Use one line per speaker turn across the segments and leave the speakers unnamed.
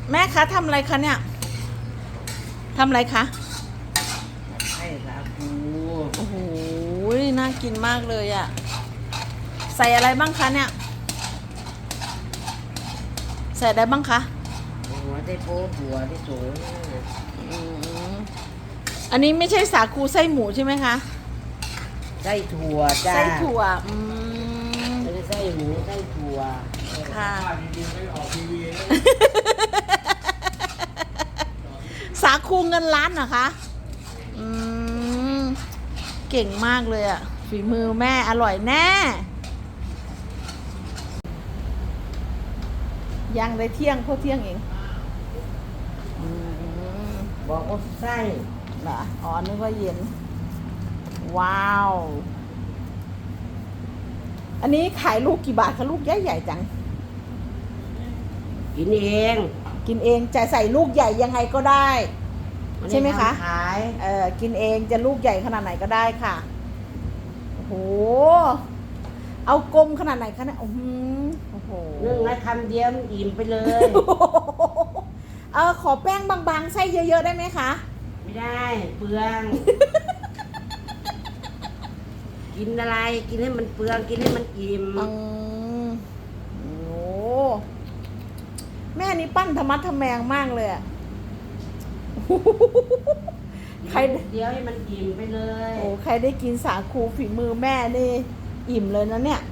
แม่คะทำอะไรคะเนี่ยทำอะไรคะ
ไข่สาคู
โอ้โหน่ากินมากเลยอะใส่อะไรบ้างคะเนี่ยใส่อะไรบ้างคะ
หัวได้โป๊หัวได้สูง
อันนี้ไม่ใช่สาคูไส้หมูใช่ไหมคะ
ไส้ถั่วจ้า
ไส้ถั่ว
ไม่ได้ไส้หมูไส้ถั่ว
ค่ะสาคูเงินล้านเหรอคะเก่งมากเลยอะฝีมือแม่อร่อยแน่ยังได้เที่ยงเพราะเที่ยงเอง
บอกว่าไส้
เหรออ๋อนึกว่าเย็นว้าวอันนี้ขายลูกกี่บาทคะลูกใหญ่ๆจัง
กินเอง
กินเองจะใส่ลูกใหญ่ยังไงก็ได้ใช่ไหมคะ
ขาย
กินเองจะลูกใหญ่ขนาดไหนก็ได้ค่ะโอ้โหเอากลมขนาดไหนคะเนี่ยโอ้โห
นึ่งแล้วคำเดียวมันอิ่มไปเลย
ขอแป้งบางๆไส้เยอะๆได้ไหมคะ
ไม่ได้เปลือง กินอะไรกินให้มันเปลืองกินให้มันอิ่ม
โอ้แม่นี่ปั้นธรรมะทแมงมากเลยอะ
ใครเดียวให้มันอิ่มไปเลย
โอ้ใครได้กินสาคูฝีมือแม่นี่อิ่มเลยนะเนี่ย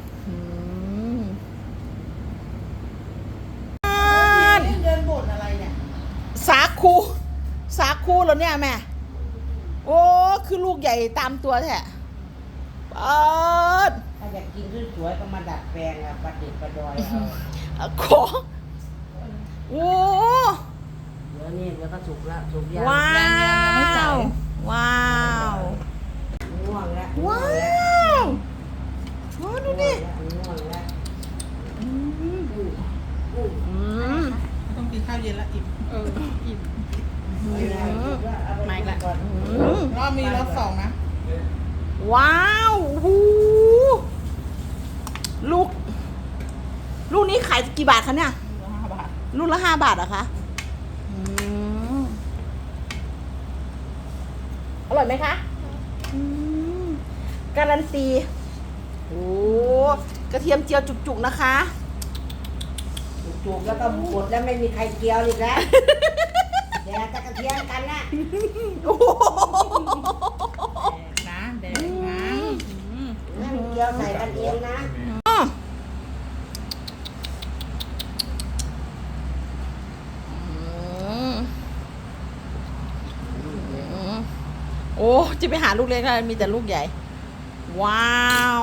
เดินบ่นอะไรเนี่ย
สาคูเหรอเนี่ยแม่โอ้คือลูกใหญ่ตามตัวแท้
ถ้าอยากกินสวยๆก็มาดัดแปลงอะประดิษฐ์ประดอยเอา
ขอโอ้
เดี๋ยวนี่เดี๋ยวก็สุกแล้วสุกยัง
ว้าวว้าว
ง่วงแล้ว
ว้าวโอ้ดูดิ
ง่วงแล้ว
ต้องกินข้าวเย็นละอิ่มอิ่ม
ไม่ละ
รอบมีรอบสองนะ
ว้าวลูกนี้ขายกี่บาทคะเนี่ย
5 บาท
ลูกละ5 บาทเหรอคะอร่อยไหมคะการันตีโอ้กระเทียมเจียวจุกๆนะคะ
จุกแล้วก็หมดแล้วไม่มีใครเกี่ยวอีกแล้วแดกตะกระเทียมกันนะ
นะเด็กนะ
นั่งเกี่ยวใส่กันเองนะ
โอ้จะไปหาลูกเล็กแล้วมีแต่ลูกใหญ่ว้าว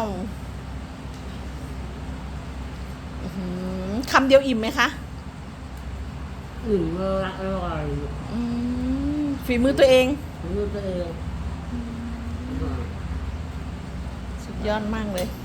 คำเดียวอิ่มไหมคะ
อิ่มเลยอร่อย
ฝีมือตัวเอง
ฝีมือตัวเอง
สุดยอดมากเลย